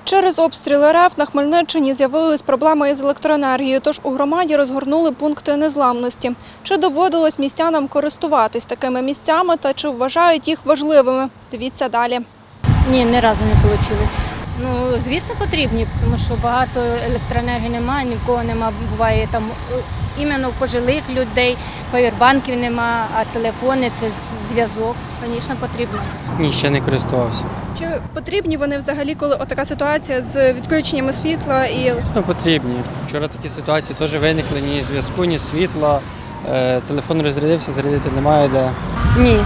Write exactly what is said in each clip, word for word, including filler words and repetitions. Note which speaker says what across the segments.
Speaker 1: Через обстріли РФ на Хмельниччині з'явились проблеми із електроенергією, тож у громаді розгорнули пункти незламності. Чи доводилось містянам користуватись такими місцями та чи вважають їх важливими? Дивіться далі.
Speaker 2: Ні, ні разу не вийшло. Ну, звісно, потрібні, тому що багато електроенергії немає, ні в кого немає, буває там іменно у пожилих людей, павербанків немає, а телефони – це зв'язок, звісно, потрібно.
Speaker 3: Ні, ще не користувався.
Speaker 1: Чи потрібні вони взагалі, коли отака ситуація з відключеннями світла і
Speaker 3: Ну, потрібні. Вчора такі ситуації теж виникли, ні зв'язку, ні світла. Е, Телефон розрядився, зарядити немає де.
Speaker 4: Ні.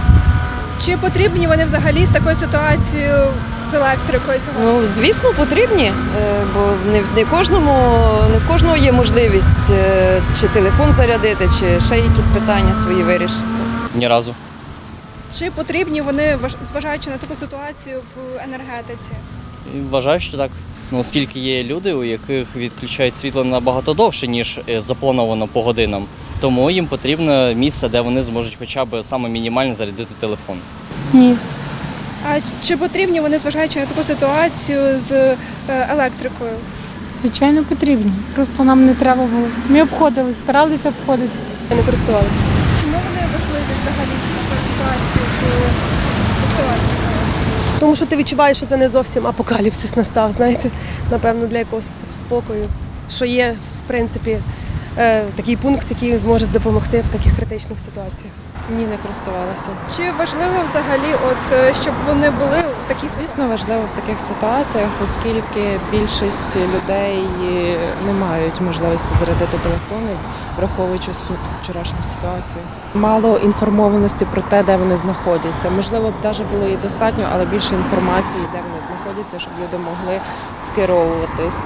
Speaker 1: чи потрібні вони взагалі з такою ситуацією з електрикою сьогодні?
Speaker 4: Ну, звісно, потрібні, е, бо не в не кожному, не в кожного є можливість е, чи телефон зарядити, чи ще якісь питання свої вирішити.
Speaker 5: Ні разу.
Speaker 1: Чи потрібні вони, важ- зважаючи на таку ситуацію в енергетиці?
Speaker 5: І вважаю, що так. Ну, оскільки є люди, у яких відключають світло набагато довше, ніж е, заплановано по годинам, тому їм потрібно місце, де вони зможуть хоча б саме мінімально зарядити телефон.
Speaker 6: Ні.
Speaker 1: А чи потрібні вони, зважаючи на таку ситуацію з е, електрикою?
Speaker 6: Звичайно, потрібні. Просто нам не треба було. Ми обходили, старалися обходитися.
Speaker 4: Не користувалися.
Speaker 1: Чому вони важливі взагалі з такою ситуацією в електрикою?
Speaker 7: Тому що ти відчуваєш, що це не зовсім апокаліпсис настав, знаєте, напевно, для якогось спокою, що є, в принципі, е, такий пункт, який зможе допомогти в таких критичних ситуаціях.
Speaker 4: Ні, не користувалася.
Speaker 1: Чи важливо взагалі, от е, щоб вони були в такій ситуації?
Speaker 8: Звісно, важливо в таких ситуаціях, оскільки більшість людей не мають можливості зарядити телефони, враховуючи суть вчорашню ситуацію. Мало інформованості про те, де вони знаходяться. Можливо, б навіть було і достатньо, але більше інформації, де вони знаходяться, щоб люди могли скеровуватись.